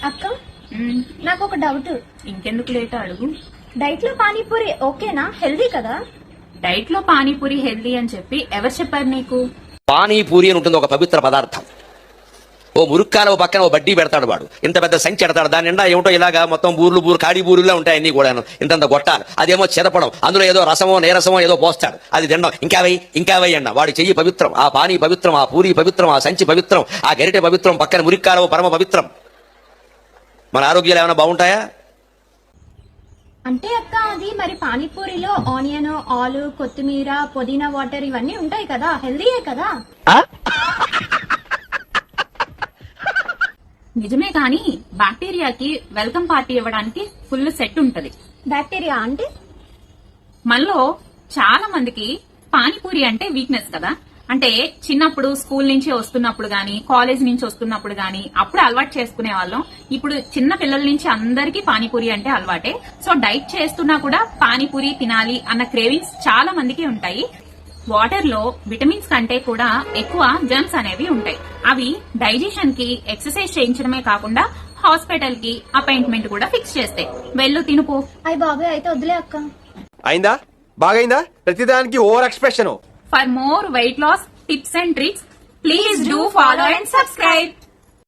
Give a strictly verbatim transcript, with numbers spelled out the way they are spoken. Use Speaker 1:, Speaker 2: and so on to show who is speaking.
Speaker 1: అక్క నాకు ఒక డౌట్.
Speaker 2: ఇంకెందుకు లేట్ అడుగు.
Speaker 1: డైట్ లో పానీపూరి ఓకేనా? హెల్దీ కదా?
Speaker 2: డైట్ లో పానీపూరి హెల్దీ అని చెప్పి ఎవరు చెప్పారు నీకు?
Speaker 3: పానీపూరి అని ఉంటుంది ఒక పవిత్ర పదార్థం. ఓ మురుక్కాల ఓ పక్కన ఓ బడ్డీ పెడతాడు వాడు, ఇంత పెద్ద సంచి ఎడతాడు, దాని నిండా ఏమిటో ఇలాగా మొత్తం బూర్లు బూరు కాడి బూరులా ఉంటాయి అన్ని కూడా, ఇంతంత గొట్టాలు, అదేమో చెరపడం, అందులో ఏదో రసమో నీరసమో ఏదో పోస్తాడు, అది తినడం, ఇంకా వై ఇంకా వై అన్న వాడి చెయ్యి పవిత్రం, ఆ పానీ పవిత్రం, ఆ పూరి పవిత్రం, ఆ సంచి పవిత్రం, ఆ గరిటె పవిత్రం, పక్కన మురిక్కాల పరమ పవిత్రం. మన ఆరోగ్యాలు ఏమైనా బాగుంటాయా?
Speaker 1: అంటే అక్క అది మరి పానీపూరిలో ఆనియన్, ఆలు, కొత్తిమీర, పుదీనా వాటర్ ఇవన్నీ ఉంటాయి కదా, హెల్దీయే కదా?
Speaker 2: నిజమే కానీ బ్యాక్టీరియాకి వెల్కమ్ పార్టీ ఇవ్వడానికి ఫుల్ సెట్ ఉంటది.
Speaker 1: బ్యాక్టీరియా అంటే
Speaker 2: మనలో చాలా మందికి పానీపూరి అంటే వీక్నెస్ కదా. అంటే చిన్నప్పుడు స్కూల్ నుంచి వస్తున్నప్పుడు గానీ, కాలేజ్ నుంచి వస్తున్నప్పుడు గానీ అప్పుడు అలవాటు చేసుకునే వాళ్ళం. ఇప్పుడు చిన్న పిల్లల నుంచి అందరికీ పానీపూరి అంటే అలవాటే. సో డైట్ చేస్తున్నా కూడా పానీపూరి తినాలి అన్న క్రేవింగ్స్ చాలా మందికి ఉంటాయి. వాటర్ లో విటమిన్స్ కంటే కూడా ఎక్కువ జర్మ్స్ అనేవి ఉంటాయి. అవి డైజెషన్ కి ఎక్సర్సైజ్ చేయించడమే కాకుండా హాస్పిటల్ కి అపాయింట్మెంట్ కూడా ఫిక్స్ చేస్తాయి. వెళ్ళు తినుపో.
Speaker 1: అయ్య బాబాయ్ అయితే వదిలే అక్క.
Speaker 4: అయిందా? బాగైందా? ప్రతిదానికి over expression.
Speaker 2: For more weight loss tips and tricks, please do follow and subscribe.